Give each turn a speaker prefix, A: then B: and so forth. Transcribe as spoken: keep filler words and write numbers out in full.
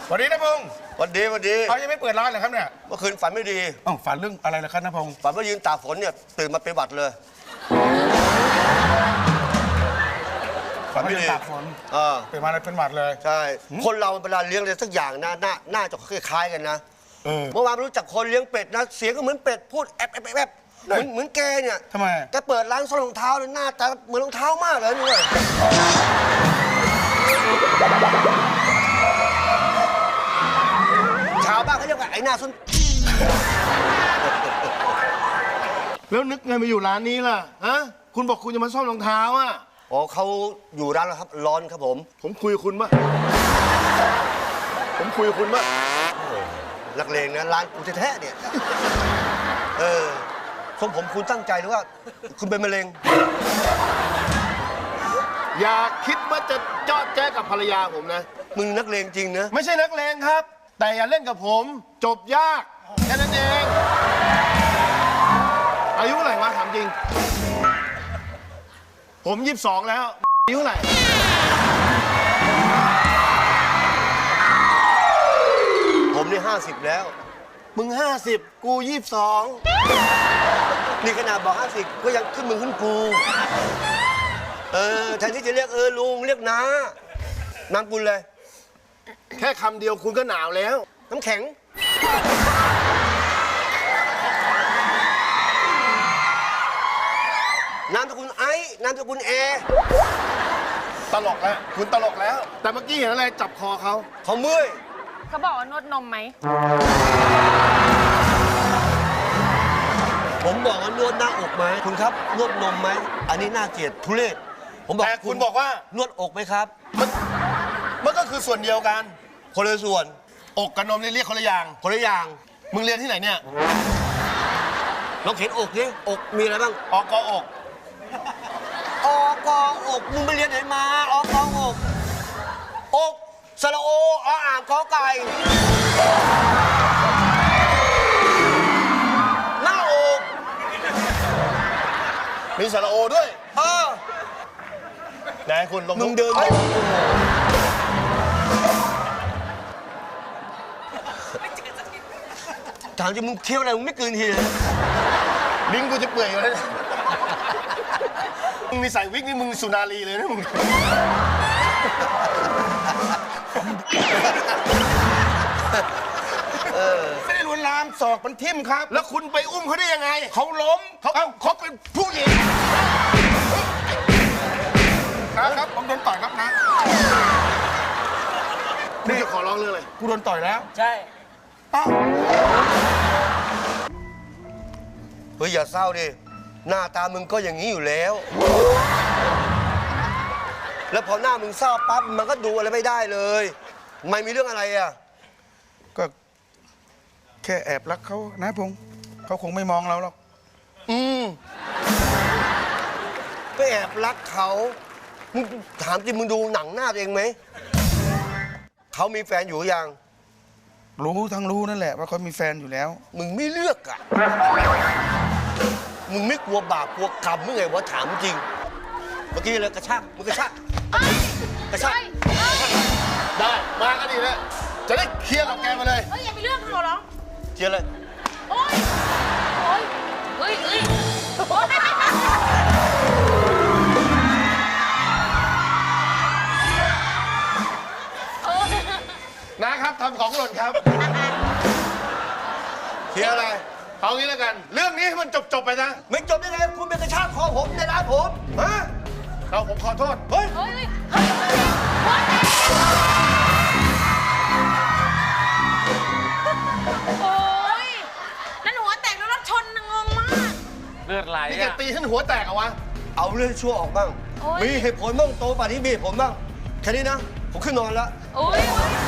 A: สวัสดีนะพงษ์
B: วันดีวันดี
A: เขายังไม่เปิดร้านเลยครับเนี่ย
B: เมื่อคืนฝันไม่ดี
A: อ๋อฝันเรื่องอะไรล่ะครับนะพงษ์
B: ฝันว่ายืนตากฝนเนี่ยตื่นมาเป็นหวัดเลย
A: ฝันไม่ดีตากฝน
B: เออ
A: ตื่นมาเลยเป็นหวัดเลย
B: ใช่คนเราเวลาเลี้ยงอะไรสักอย่างนะหน้าหน้าจะคล้ายๆกันนะเมื่อวานรู้จักคนเลี้ยงเป็ดนะเสียงก็เหมือนเป็ดพูดแอบแอบแอบเหมือนเหมือนแกเนี่ย
A: ทำไม
B: แกเปิดร้านซ่อมรองเท้าเลยหน้าตาเหมือนรองเท้ามากเลยนี่ชาวบ้านเขาเรียกว่าไอ้หน้าส้น
C: แล้วนึกไงมาอยู่ร้านนี้ล่ะฮะคุณบอกคุณจะมาซ่อมรองเท้าอ่ะ
B: อ๋อเขาอยู่ร้านแล้วครับร้อนครับผม
C: ผมคุยกับคุณป่ะผมคุยกับคุณป่ะ
B: นักเลงนะร้านกูแท้ๆเนี่ยเออทรงผมคุณตั้งใจหรือว่าคุณเป็นมะเร็ง
C: อย่าคิดว่าจะจอดแจ้กับภรรยาผมนะ
B: มึงนักเลงจริงนะ
C: ไม่ใช่นักเลงครับแต่อย่าเล่นกับผมจบยากแค่นั้นเองอายุเท่าไหร่วะถามจริงผมยี่สิบสองแล้วอายุเท่าไหร่
B: ผมนี่ห้าสิบแล้ว
C: มึงห้าสิบกูยี่สิบสอง
B: นี่ขนาดบอกห้าสิบก็ยังขึ้นมึงขึ้นกูเออแทนที่จะเรียกเออลุงเรียกน้านามกุลเลย
C: แค่คำเดียวคุณก็หนาวแล้ว
B: น้ำแข็งนามสกุลไอ้นามสกุลแอร์
C: ตลกแล้วคุณตลกแล้วแต่เมื่อกี้เห็นอะไรจับคอเขา
B: เขาเมื่อย
D: เขาบอกว่านวดนมไหม
B: ผมบอกว่านวดหน้าอกไหมคุณครับนวดนมไหมอันนี้น่าเกลียดทุเรศผมบอก
C: แต่คุณบอกว่าน
B: วดอกไหมครับ
C: มันมันก็คือส่วนเดียวกัน
B: คนละส่วน
C: อกกับนมนี่เรียกคนละอย่าง
B: คนละอย่าง
C: มึงเรียนที่ไหนเนี่ย
B: ลองเขียนอกดิอกมีอะไรบ้าง
C: อกอก
B: อกอกมึงไปเรียนไหนมาอกอกอกสระโออ่างกอไก่หน้าอก
C: มีสระโอด้วย
B: เออ
C: ไหนคุณลง
B: มึงเดินถามจริงมึงเที่ยวอะไรมึงไม่เกินทีเลย
C: ลิ้นกูจะเปื่อยอยู่แล้วมึงมีใส่วิกนี่มึงสุนารีเลยนะมึง
A: ไม่ได้ลวนลามศอกมันทิ่มครับ
C: แล้วคุณไปอุ้มเขาได้ยังไง
A: เขาล้ม
C: เขาเขาเป็นผู้หญิง
A: นะครับผมโดนต่อยครับนะ
C: นี่จะขอร้องเรื่องอะไร
A: กูโดนต่อยแล้ว
D: ใช่
B: เฮ้ยอย่าเศร้าดิหน้าตามึงก็อย่างนี้อยู่แล้วแล้วพอหน้ามึงเศร้าปั๊บมันก็ดูอะไรไม่ได้เลยไม่มีเรื่องอะไรอ่ะ
A: ก็แค่แอบรักเขานะพงษ์เขาคงไม่มองเราหรอก
B: อืมก็แอบรักเขามึงถามจริงมึงดูหนังหน้าตัวเองไหมเขามีแฟนอยู่ยัง
A: รู้ทั้งรู้นั่นแหละว่าเขามีแฟนอยู่แล้ว
B: มึงไม่เลือกอ่ะมึงไม่กลัวบาปกลัวกรรมมึงไงวะถามจริงเมื่อกี้เลยกระชากมึงกระชากกระชาก
C: ได้มาก็ดีแล้วจะได้เคลียร์กับแกมาเลย
D: เฮ้ยอย่าไปเรื่องเขาหรอ
B: เคลียร์เลย
D: โอ๊ยโอ๊ยเฮ้ยเฮ้ย
C: นะครับทำของหล่นครับ
B: เคลียร์อะไร
C: เอางี้แล้วกันเรื่องนี้ให้มันจบจบไปนะ
B: ไม่จบได้ไงคุณเป็นกระชากคอผมในร้านผม
C: ฮะเอาผมขอโทษ
B: เฮ้ย
D: เฮ้ยเฮ้ยโอ้ยนั่นหัวแตกแล้วรถชนงงมาก
C: เลือดไหลนี่แกตีฉันหัวแตกเหรอวะ
B: เอาเรื่องชั่วออกบ้างมีเหตุผลบ้างโตป่านนี้มีเหตุผลบ้างแค่นี้นะผมขึ้นนอนแล้ว
D: โอ้ย